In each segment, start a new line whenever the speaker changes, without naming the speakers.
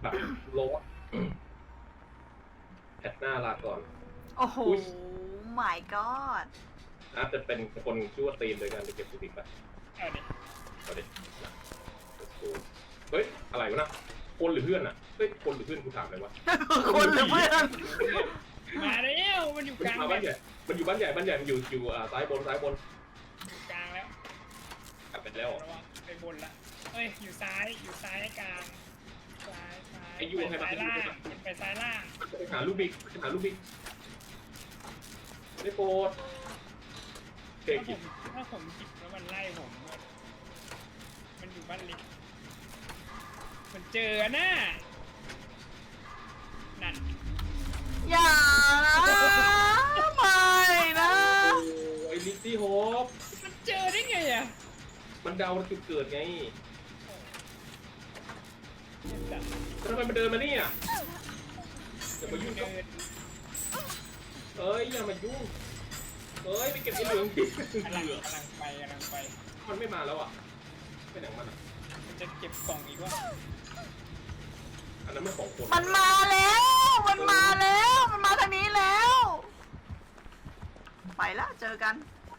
แบบโลดแพทหน้าลาก่อน
โอ้โห my god
อาจจะเป็นคนชื่อว่าตีนโดยการไปเก็บสุติกไป
เอาดิ
เอาดิเฮ้ยอะไรวะนะคนหรือเพื่อนอ่ะเฮ้ยคนหรือเพื่อนกูถามเลยวะ
คนหรือเพื่อน
มาแล้วมันอยู่กลาง
มาบ้านใหญ่มันอยู่บ้านใหญ่มันอยู่ซ้ายบน
อยู่กลางแล้ว
กลับไปแล้ว
ระวังไปบนละเอ้ยอยู่ซ้ายกลางซ้ายไปซ้ายล่างไปซ้ายล่าง
ไปหาลูกบิ๊กไม่โปรดเก่ง
ถ้าผมจิบแล้วมันไล่ผมมันอยู่บ้านเล็กมันเจอน่ะนั่น
อย่านะไม่นะ
ไอ้ลิซซี่โฮป
มันเจอได้ไงอ่ะ
มันเดาจุดเกิดไงทำไมมันเดินมาเนี่ยอย่ามายุ่ง
เดิน
เอ้ยอย่ามายุ่งเอ้ยไปเก็บไอ้เหลืองดิ
กำลังไป
มันไม่มาแล้วอ่ะไปไหนมันอ่ะ
มันจะเก็บกล่องอีกว่า
อันนั้นมันของคน
มันมาแล้วมันมาทางนี้แล้ว ไปแล้วเจอกัน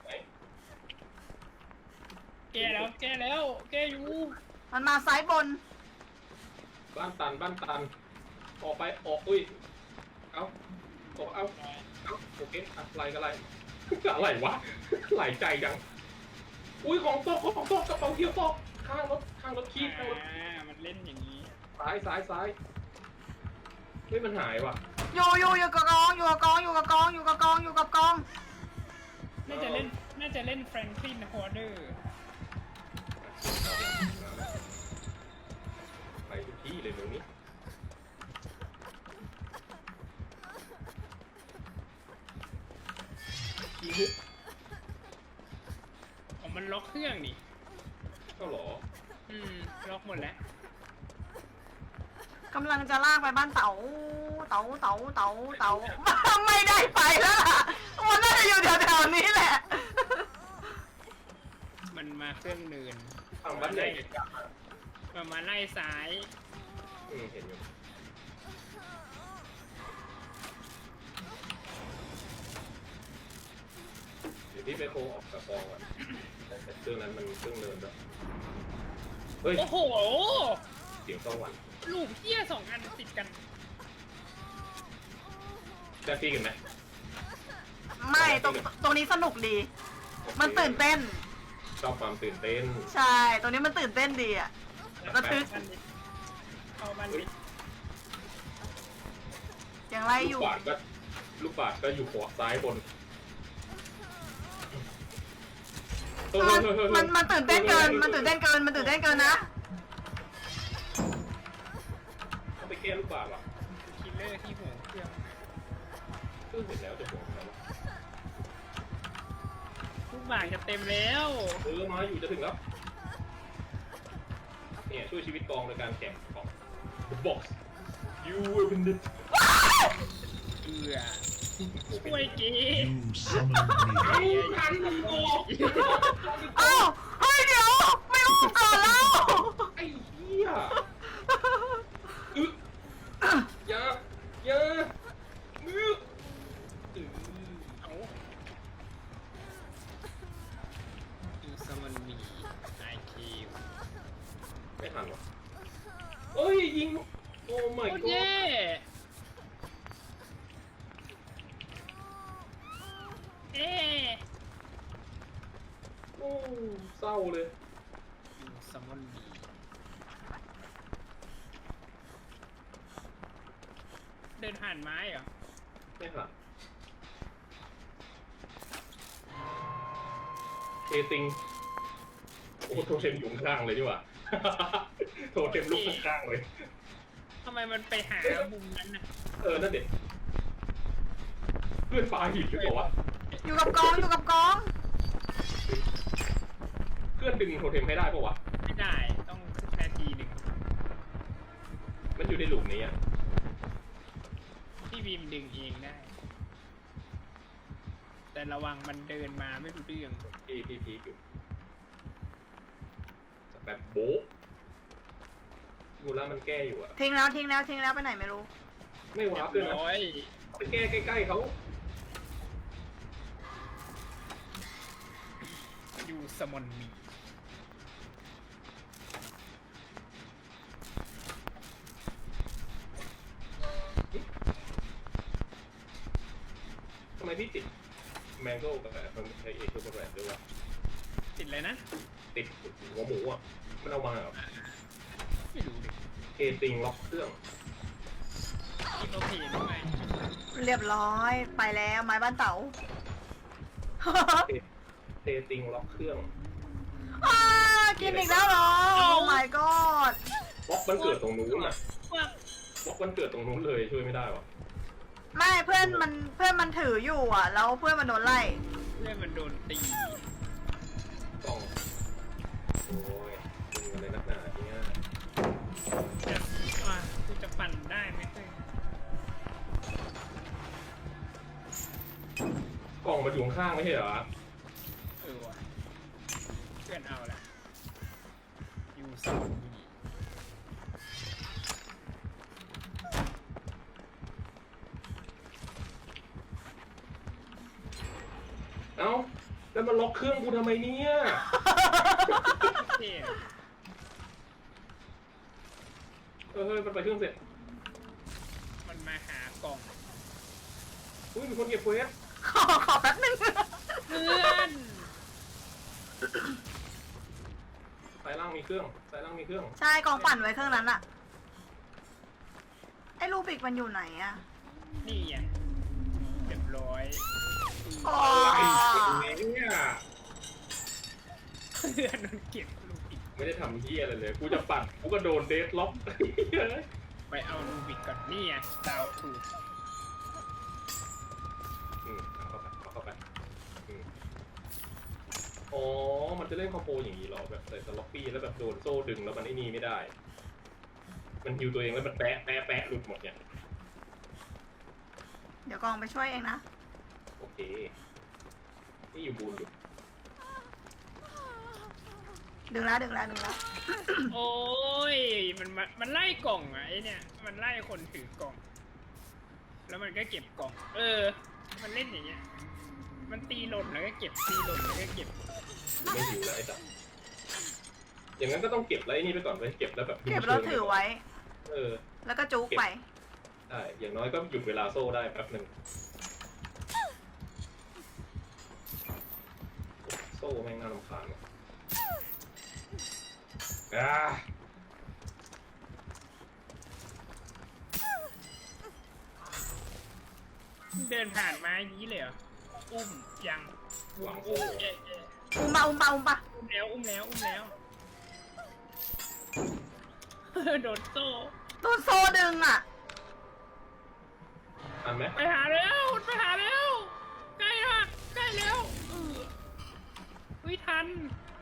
แกแล้วแกอยู่
มันมาซ้ายบน
บ้านตันออกไปออกอุ้ยเอาโอเคอะไรกันอะไรอะไรวะไหลใจจังอุ้ยของตกกระเป๋าเที่ยวตกข้างรถขี้ข้างรถ
มันเล่นอย่างนี้
ซ้ายเฮ้ยมันหายว่ะ
อยู่กับกองน่
าจะเล่นแฟรงคลินฮอร์เดอร์
ไปทุกที่เลยตรงนี้ขี้ฮุก
มันล็อกเครื่องนี่
ก็หรอ
ล็อกหมดแล้ว
กำลังจะลากไปบ้านเต๋าไม่ได้ไปแล้วล่ะมันน่าจะอยู่แถวๆนี้แหละ
มันมาเครื่องเนิน
ทางบ้านใหญ่กลับมา
มาไล่ซ้าย
เห็นอยู่เดี๋ยวพี่ไปโคออกกับกองอ่ะแต่เครื่องนั้นมันเครื่องเดินแล้วเฮ้ย
โอ้โห
เสียงสวรรค์
ลูกเหี้ย2 อันติดกัน
จะตีกันไหม
ไม่ตรงนี้สนุกดี มันตื่นเต้น
ชอบความตื่นเต้น
ใช่ตรงนี้มันตื่นเต้นดีอะระทึก
เข้ามัน
ยังไล่อ
ลู
ยู่
กบาศก็อยู่ขวาซ้ายบน
มันตื่นเต้นเกินนะ
ต้องไปแก้ลูกบาศก์ว่ะ
คิลเลอร์ที่หัวเครื่อง
เพิ่งเห็นแล้วจะบอกแล้ว
ลูกบาศก์จะเต็มแล้ว
มาอยู่จะถึงแล้วเนี่ยช่วยชีวิตกองโดยการแข่งของ The Box You will win it
ช่วยกี
You summoned me.
เอ้าเฮ้ยเดี๋ยวไม่รู้ก่อนแล้ว
ไอ้เหี้ยอย่ามือ
เอาดูสมันมีไอคิว
ไม่ทันวะเอ้ยยิงโอ้ my
โคตร
god
เย่เอ๊
โอ้เศร้าเลย
ดูสมันมีเดินผ่านไม้เหรอ
ไม่ทันเทติงโอ้โทเทมอยู่ข้างๆเลยดีกว่าโทเทมลุกข้างๆเลย
ทำไมมันไปหามุมนั้นน่ะ
นั่นเด็ดเพื่อนปลาหินหรือเปล่าวะ
อยู่กับกอง
เพื่อนดึงโทเทมให้ได้ปะวะ
ไม่ได้ต้องนาทีหนึ่ง
มันอยู่ในหลุมนี้อ่ะ
พี่บีมดึงเองได้ แต่ระวังมันเดินมาไม่รู้เรื่อง
พี่อยู่แบบโบ๊ะมูล่ามันแก้อยู่อะ
ทิ้งแล้วทิ้งแล้วทิ้งแล้วไปไหนไม่รู้
ไม่วาร์ปด้วยนะ
ร้อย
ไปแก้ใกล้ๆเขา
อยู่สมอนมี
ทำไมพี่ติดแมงโก้กับมันใช้เอชกับแรดด้วยวะ
ติดเลยนะ
ติดหัวหมูอ่ะมันเอามาเหรอ
ไม่รู้ดิ
เอติงล็อกเครื่อง
อีโนเพนด้วย
เรียบร้อยไปแล้วไม้บ้านเต๋า
เอติงล็อกเครื่อง
อ้ากินอีกแล้วเหรอ โอ้ my god
บล็อกมันเกิดตรงนู้นอ่ะ
ว่า
บล็อกมันเกิดตรงนู้นเลยช่วยไม่ได้วะ
ไม่เพื่อนมันถืออยู่อ่ะ แล้วเพื่อนมันโดนไล่
เพื่อนมันโดนตี
ต้องโอ้ยเป็นอะไรนักหนาเนี่ย
จะกูจะปั่นได้ไหมเพื่อน
กล่องมาอยู่ข้างๆไม่ใช่เหรอ
ว่ะเพื่อนเอาละอยู่สมอนมี
เอ้าแล้วมันล็อกเครื่องกูทำไมเนี่ย
เท่
เฮ้ยมันไปเครื่องเสร็จ
มันมาหากล่อง
อุ้ยมีคนเก็บเควส
ขอแป๊บนึง
เพื่อน
สายล่างมีเครื่องสายล่างมีเครื่อง
ใช่กองปั่นไว้เครื่องนั้นอะไอ้ลูบิกมันอยู่ไหนอะ
นี่ไงเรียบร้อย
อ๋อ
อะไรเนี่ย
เพื่อนมันเก็บลูกอีก
ไม่ได้ทำเฮียอะไรเลย กูจะปัดกูก็โดนเดดล็อก
ไปเอาลูบิกก่อนนี่ไงดาวถูก
เอาเข้าไปอ๋อ มันจะเล่นคอมโบอย่างนี้เหรอ แบบใส่สล็อปปี้แล้วแบบโดนโซ่ดึงแล้วมันไอ้นี่ไม่ได้ มันฮิวตัวเองแล้วมันแปะหลุดหมดเนี่ย
เดี๋ยวกองไปช่วยเองนะ
โอเค นี่อยู่บูนอยู่
ดึงแล้ว
โอ้ยมันไล่กล่องอะไอเนี่ยมันไล่คนถือกล่อง แล้วมันก็เก็บกล่อง มันเล่นอย่างเงี้ยมันตีหล่นแล้วก็เก็บตีหล่นแล้วก็เก็บ
ไม่หิวแล้วไอ้สัสอย่างนั้นก็ต้องเก็บแล้วไอ้นี่ไปก่อนไปเก็บแล้วแบบ
เก็บแล้วถือไว้
เออ
แล้วก็จุกไป
ได้ อย่างน้อยก็หยุดเวลาโซ่ได้แป๊บหนึ่งโซ่แม่งน่ารำคาญว่ะ
เดินผ่านมาอย่างนี้เลยเหรอ อุ้มยังอุ้มเอ๊ะ
อุ้มปะ
อุ้มแล้วโดนโซ่
ตัวโซดึงอ่ะ
ทันไหม
ไปหาแล้วใกล้ละใกล้แล้วอุ้ยทัน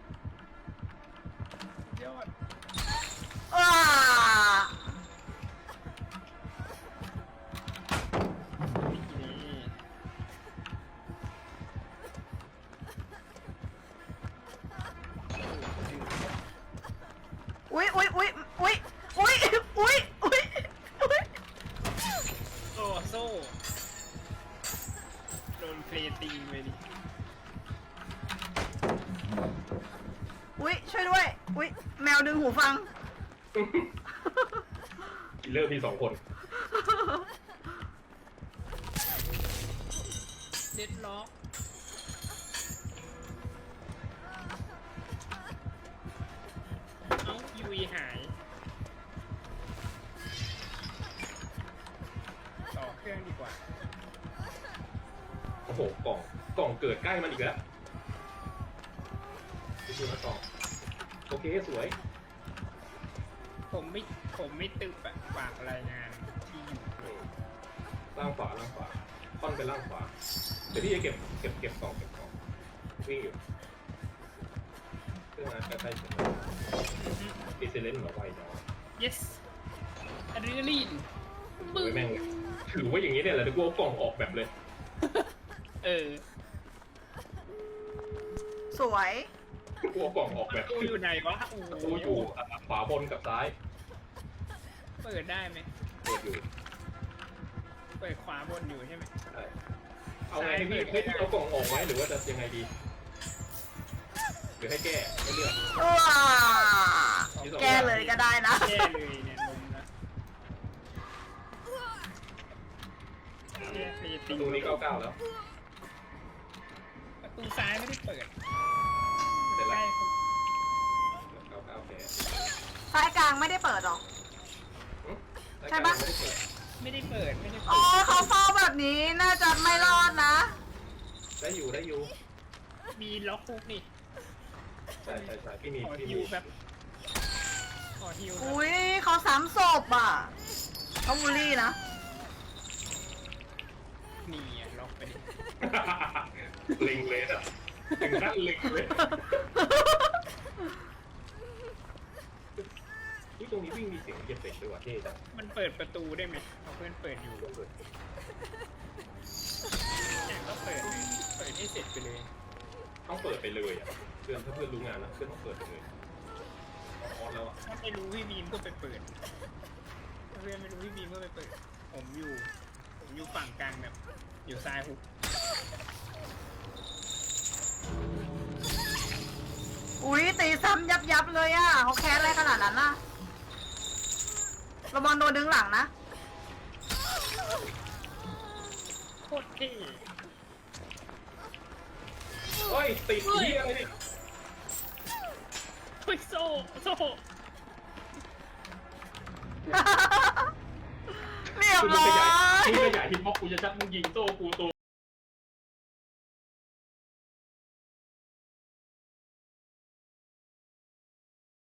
ยอด
ว้า
นี่
อุ้ย
โซ่โดนเพลย์ตีไปดิ
อุ้ยช่วยด้วย อุ้ยแมวดึงหูฟัง
กินเลอร์มี2 คน
เด็ดล็อกเอ้ายูอีหายต่อเครื่องดีกว่า
โอ้โห กล่องเกิดใกล้มันอีกแล้วดูนะกล่อง โอเค สวย
ผมไม่ตึบอะฝากรายงานที่อยู่
ล่างขวาค่อนไปล่างขวา เดี๋ยวพี่จะเก็บกล่องวิ่งอยู่เครื่องนั้นใกล้ๆถึงแล้วดีเซเลนต์เหรอไวเนาะ
yes อะดรีนาลีน
โอ้ยแม่งถือว่าอย่างนี้เนี่ยแหละเดี๋ยวกูเอากล่องออกแบบเลย
สวย
กูเอากล่องออกแบบ
ตู้อยู่ไหนวะโอ้
กูอยู่ขวาบนกับซ้าย
เปิดได้ไหม
เปิดอยู่
เปิดขวาบนอยู่ใช่ไหม
ใช่เอาไงให้พี่ให้พี่เอากล่องออกไหมหรือว่าจะยังไงดีหรือให้แก้ให้เลือก
ว้าแก้เลยก็ได้นะ
แย่เลยเนี่ยลมนะแย่ตี
ประตูนี้99แล้ว
ประตูซ้ายไม่ได้เปิด
เสร็จ
ใก
แล้ว
ล้
99แพ้
ซ้ายกลางไม่ได้เปิดหรอ ใช่ปะ
ไม่ได้เปิดไม่ได้
อ๋
เปิ
อ
ด
เขาเฝ้าแบบนี้น่าจะไม่รอดนะ
ได้อยู่ได้อยู่
มีล็อกคุกนี่
ใช่ใช่ใช่พี่มี
ขอ
พี่
ฮิ
มี
วแบบขอฮิวแบบ
อุ้ยเขาซ้ำศพอ่ะเขาบูลลี่นะ
นี่อ่ะล็อกไปดิ
ลิงเลยอ่ะถึงขั้นลิงเลยนี่ตรงนี้วิ่งมีเสียงเหยียบเบรกด้วยว่ะเท่จัง
มันเปิดประตูได้ไหมเอาเพื่อนเปิดอยู่อย่างก็เปิดเลยเปิดให้เสร็จไปเลย
ต้องเปิดไปเลยอ่ะเพื่อนถ้าเพื่อนรู้งานนะเพื่อนต้องเปิดไปเลยออนแล้วอ่ะ
ถ้าไม่รู้พี่บีมก็ไปเปิดถ้าเพื่อนไม่รู้พี่บีมก็ไปเปิดผมอยู่ฝั่งกลางแบบอยู่ซ้ายหุก
อุ้ยตีซ้ำยับเลยอ่ะเขาแค้นอะไรขนาดนั้นน่ะระวังโดนดึงหลังนะ
โคตรเท่
เฮ้ยติดที่อะไรเนี่ย
เฮ้ยโซ่
เรียบ
คุณ
ร้
ข
อย
ยายคุณขยายฮิตบ็อกกูจะชัดมึงยิงโต้กูตัว